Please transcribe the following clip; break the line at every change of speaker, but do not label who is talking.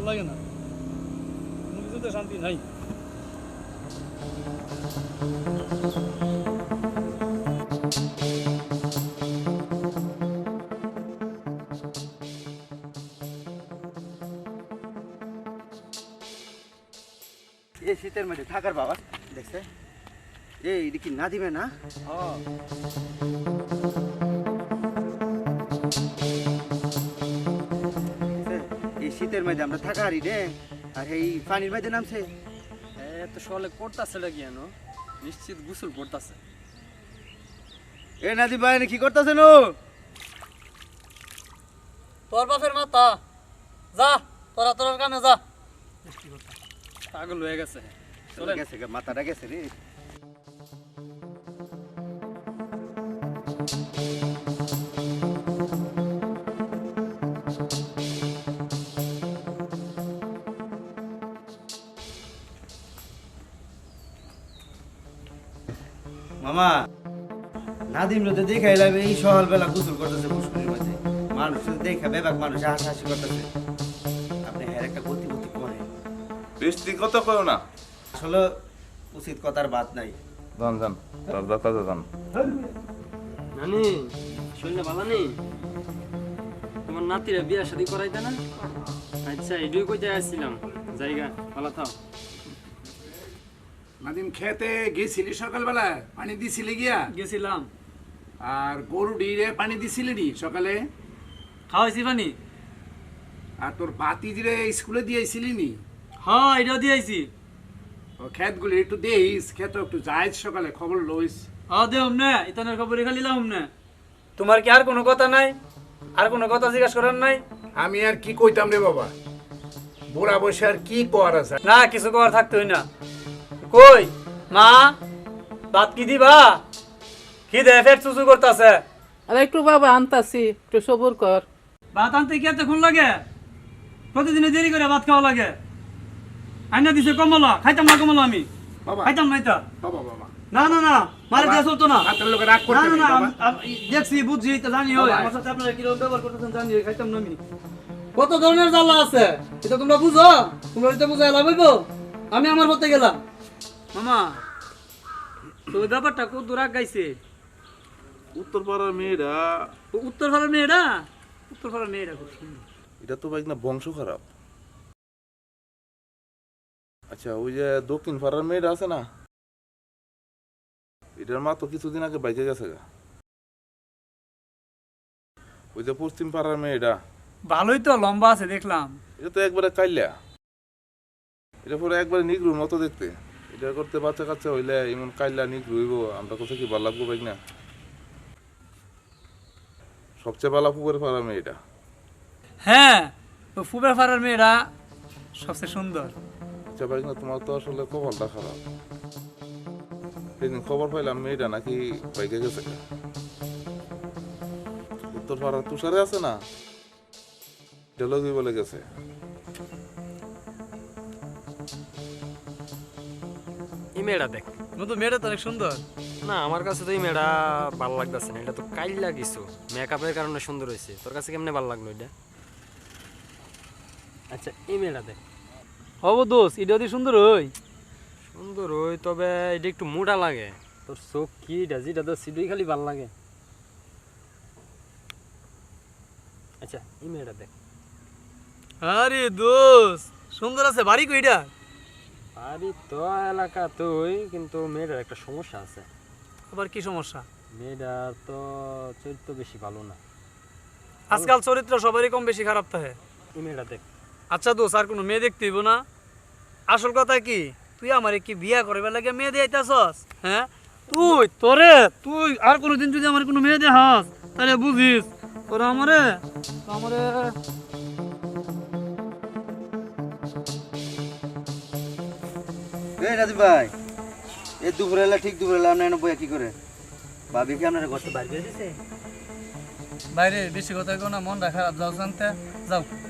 লাগে না, কোনো কিছুতে শান্তি নাই।
এই শীতের মধ্যে থাকার বাবা দেখছে এটা কি না দিবে না? এই শীতের মধ্যে আমরা থাকা হারি রে, আর এই পানির মধ্যে নামছে।
এত সকালে করতেছে লাগিয়ানো, নিশ্চিত গোসল করতেছে।
এ নাদি ভাই কি করতেছে নো?
তোর বাপের মাথা, যা তোরা তোর কামে যা।
পাগল হয়ে গেছে।
চলে গেছে মাথাটা গেছে রে। মামা নাদিম রোদে দেখাইলাম এই সকালবেলা গোসল করতেছে পুষ্করির মাঝে, মানুষ দেখা বেবাক মানুষ হাসাহাসি করতেছে। আপনি হ্যাঁ একটা গতি গতি করেন,
বৃষ্টি কত করো না,
আসলে উচিত কথার বাদ নাই।
জান জান দাদা জান
নানি শুনলে ভালো নেই, তোমার নাতিরা বিয়া শাদি করাইতে না? আচ্ছা এটুই কইতে আসছিলাম, জায়গা ভালো থাও।
নাদিম খেতে গেছিলি সকালবেলা, পানি দিছিলি গিয়া?
গেছিলাম।
আর গরু ডিরে পানি দিছিলি নি সকালে?
খাওয়াইছি পানি।
আর তোর বাতিজিরে স্কুলে দিয়েছিলি নি?
হ্যাঁ এটাও দিয়েছি।
ও ক্ষেতগুলি একটু দেইস, ক্ষেত একটু যাইস সকালে, খবর লইস।
হ্যাঁ দেহম না, ইতানের খবরে খালি লাম না। তোমার কি আর কোনো কথা নাই? আর কোনো কথা জিজ্ঞাসা করার নাই?
আমি আর কি কইতাম রে বাবা, বুড়া বসে আর কি করা যায়?
না কিছু করার থাকতোই না। কই মা, ভাত কি দিবা? কি দে ফের চুচু করতেছে।
আরে একটু বাবা আনতাছি, একটু সবুর কর।
ভাত আনতে কি এতক্ষণ লাগে? প্রতিদিনে দেরি করে ভাত খাওয়া লাগে। আইনা দিছে কমলা, খাইতাম না কমলা আমি।
বাবা
খাইতাম না এটা।
বাবা বাবা
না না না, মারে দেয়া চলতো না।
হাতের লোকে রাগ
না
করতে
না
নেই
না,
বাবা।
দেখছি বুঝছি এটা জানি হয়।
বাবা।
আমার সাথে আপনারা কিরকম ব্যবহার করতেছেন জানি, খাইতাম না আমি। কত ধরনের জ্বালা আছে এটা তোমরা বুঝো? তোমরা এটা বুঝাই লাভ হইব? আমি আমার পথে গেলাম। মামা তো ওই ব্যাপারটা কত দূর গাইছে?
উত্তর পাড়ার মেয়েরা,
উত্তর ভারত মেয়েরা, উত্তর ভারত মেয়েরা খুব সুন্দর।
এটা তো ভাই না বংশ খারাপ। আচ্ছা ওই যে দক্ষিণ পাড়ার মেয়েরা আছে না, এটার মা তো কিছুদিন আগে বাইকে গেছে গা। ওই যে পশ্চিম পাড়ার মেয়েটা,
ভালোই তো লম্বা আছে দেখলাম।
এটা তো একবারে কাইলা, এটা পরে একবারে নিগ্রুর মতো দেখতে। এটা করতে বাচ্চা কাচ্চা হইলে এমন কাইলা নিগ্রু হইব, আমরা কোথায় কি ভালো লাগবো ভাই না? সবচেয়ে ভালো পুকুরের পাড়ার মেয়েটা।
হ্যাঁ তো ফুবের পাড়ার মেয়েরা সবচেয়ে সুন্দর।
আচ্ছা ভাই না, তোমার তো আসলে কপালটা খারাপ। সেদিন খবর পাইলাম মেয়েটা নাকি বাইকে গেছে। উত্তর পাড়ার তুষারে আছে না, ডেলগি বলে গেছে।
এই মেয়েটা দেখ।
কিন্তু মেয়েটা তো অনেক সুন্দর।
না আমার কাছে তো এই মেয়েটা ভালো লাগতেছে না, এটা তো কাইলা কিছু মেকআপের কারণে সুন্দর হয়েছে। তোর কাছে কেমনে ভালো লাগলো এটা? আচ্ছা এই মেয়েটা দেখ।
হব দোষ, এটা যদি সুন্দর হই।
সুন্দর ওই, তবে এটা একটু মোটা লাগে। তোর চোখ কি যেটা তোর সিডুই খালি ভাল লাগে। আচ্ছা এই মেয়েটা দেখ।
আরে দোষ সুন্দর আছে, বাড়ি কইটা?
আরে তো এলাকা তুই, কিন্তু মেয়েটার একটা সমস্যা আছে।
আবার কি সমস্যা?
মেয়েটার তো চরিত্র বেশি ভালো না।
আজকাল চরিত্র সবারই কম বেশি খারাপ থাকে।
এই মেয়েটা দেখ।
আচ্ছা দোষ, আর কোনো মেয়ে দেখতে হইব না? আসল কথা কি, তুই আমারে কি বিয়া করবে লাগে মেয়ে দিয়াইতাছস? হ্যাঁ তুই আর কোনোদিন যদি আমার কোনো মেয়ে দেখাস তাহলে বুঝিস তোরা আমারে আমারে
এই নাদিম ভাই, এই দুপুরবেলা ঠিক দুপুরবেলা আপনার এনে বইয়া কি করে? ভাবি কি আপনার ঘর তো বাইরে দিছে?
বাইরে বেশি কথা কো না, মনটা খারাপ। যাও জানতে যাও।